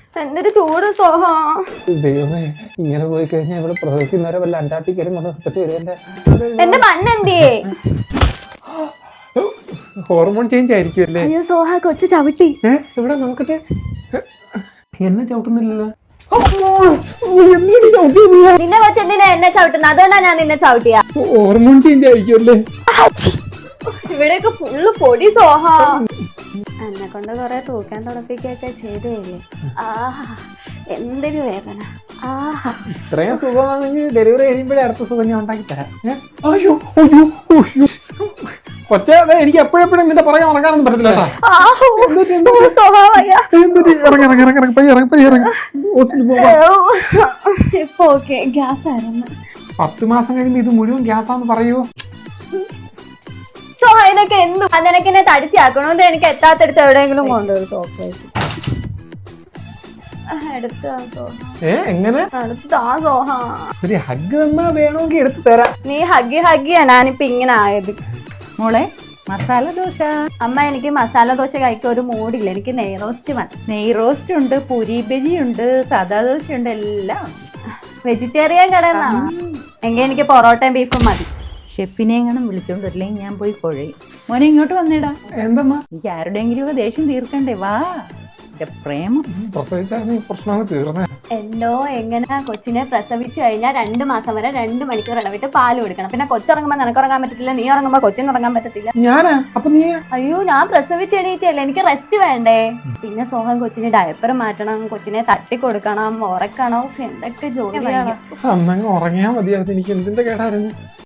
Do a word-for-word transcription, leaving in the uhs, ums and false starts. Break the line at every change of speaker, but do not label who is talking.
എന്തൊരു ചൂട് സോഹ.
ദൈവമേ, ഇങ്ങനെ പോയി കഴിഞ്ഞാൽ ഇവിടെ പ്രസവിക്കുന്നവരെ വല്ല അന്റാർട്ടിക്കലും കൊണ്ട് നിർത്തിട്ട് വരും.
എന്റെ മണ്ണെന്തിയേ?
ഹോർമോൺ ചേഞ്ച് ആയിരിക്കും അല്ലേ?
അയ്യോ സോഹ, കൊച്ചു ചവിട്ടി.
ഏ ഇവിടെ നോക്കട്ടെ. എന്നെ ചവിട്ടുന്നില്ലല്ലോ.
നിന്നെ കൊച്ചു എന്തിനാ എന്നെ ചവിട്ടുന്നത്? അതുകൊണ്ടാ ഞാൻ നിന്നെ ചവിട്ടിയ.
ഹോർമോൺ ചേഞ്ച് ആയിരിക്കും അല്ലേ?
ഇവിടെയൊക്കെ ഫുള്ള് പൊടി സോഹ. എന്നെ കൊണ്ട് കൊറേ തൂക്കാൻ തുടപ്പിക്കൊക്കെ ചെയ്തേല്ലേ. ആഹാ, എന്തൊരു വേദന. ആഹാ,
ഇത്രയും സുഖമാണെങ്കിൽ ഡെലിവറി കഴിയുമ്പോഴേ അടുത്ത സുഖം ഞാൻ ഉണ്ടാക്കി തരാം. അയ്യോ അയ്യോ അയ്യോ കൊച്ചേ, എനിക്ക് എപ്പോഴെപ്പോഴും നിന്റെ പുറകെ ഉറങ്ങാനൊന്നും പറ്റത്തില്ല.
ഇപ്പൊ ഓക്കെ, ഗ്യാസ് ആയിരുന്നു.
പത്ത് മാസം കഴിയുമ്പോ ഇത് മുഴുവൻ ഗ്യാസാന്ന് പറയൂ.
സോ അതിനൊക്കെ എന്തു അതിനൊക്കെ എന്നെ തടിച്ചാക്കണോന്ന് എനിക്ക് എത്താത്തടുത്ത് എവിടെയെങ്കിലും കൊണ്ടുപോയി തോക്കായിട്ട് എടുത്താ സോഹ.
ഏ എങ്ങനെ
എടുത്താ സോഹ.
ഒരു ഹഗ് തന്നാ വേണമെങ്കിൽ എടുത്തു തരാം.
നീ ഹഗ്ഗി ഹഗ്ഗിയാ ഞാനിപ്പോ ഇങ്ങനെ ആയത്.
മോളെ, മസാല ദോശ.
അമ്മ, എനിക്ക് മസാല ദോശ കഴിക്കാൻ ഒരു മൂടില്ല. എനിക്ക് നെയ് റോസ്റ്റ് മതി.
നെയ് റോസ്റ്റ് ഉണ്ട്, പൂരി ബജി ഉണ്ട്, സാദാ ദോശ ഉണ്ട്, എല്ലാം.
വെജിറ്റേറിയൻ കടന്നാണ് എങ്കിൽ എനിക്ക് പൊറോട്ടയും ബീഫും മതി.
ഷെഫിനെ എങ്ങനെ വിളിച്ചോണ്ട് വരില്ലെങ്കിൽ ഞാൻ പോയി കുഴയും. മോനെ ഇങ്ങോട്ട് വന്നേടാ.
എന്തമ്മ?
എനിക്ക് ആരുടെയെങ്കിലും ഒക്കെ ദേഷ്യം തീർക്കണ്ടേ? വാ, എന്റെ പ്രേമം.
പ്രസവിച്ചാൽ പ്രശ്നമൊക്കെ തീർന്നേ.
എന്തോ എങ്ങനെ കൊച്ചിനെ പ്രസവിച്ചു കഴിഞ്ഞാൽ രണ്ട് മാസം വരെ രണ്ട് മണിക്കൂർ ഇടവിട്ട് പാല് കൊടുക്കണം. പിന്നെ കൊച്ചുറങ്ങുമ്പോ നിനക്കുറങ്ങാൻ പറ്റത്തില്ല, നീ ഉറങ്ങുമ്പോ കൊച്ചിന് ഉറങ്ങാൻ പറ്റത്തില്ല.
ഞാനാ? അപ്പൊ നീ?
അയ്യോ, ഞാൻ പ്രസവിച്ചെണീറ്റല്ലേ, എനിക്ക് റെസ്റ്റ് വേണ്ടേ. പിന്നെ സോഹം കൊച്ചിന് ഡയപ്പർ മാറ്റണം, കൊച്ചിനെ തട്ടി കൊടുക്കണം, ഉറക്കണം. എന്തൊക്കെ ജോലിയാണ്.
അന്നങ്ങ് ഉറങ്ങിയാ മതിയായിരുന്നു. എനിക്ക് എന്തിന്റെ കേടായിരുന്നു.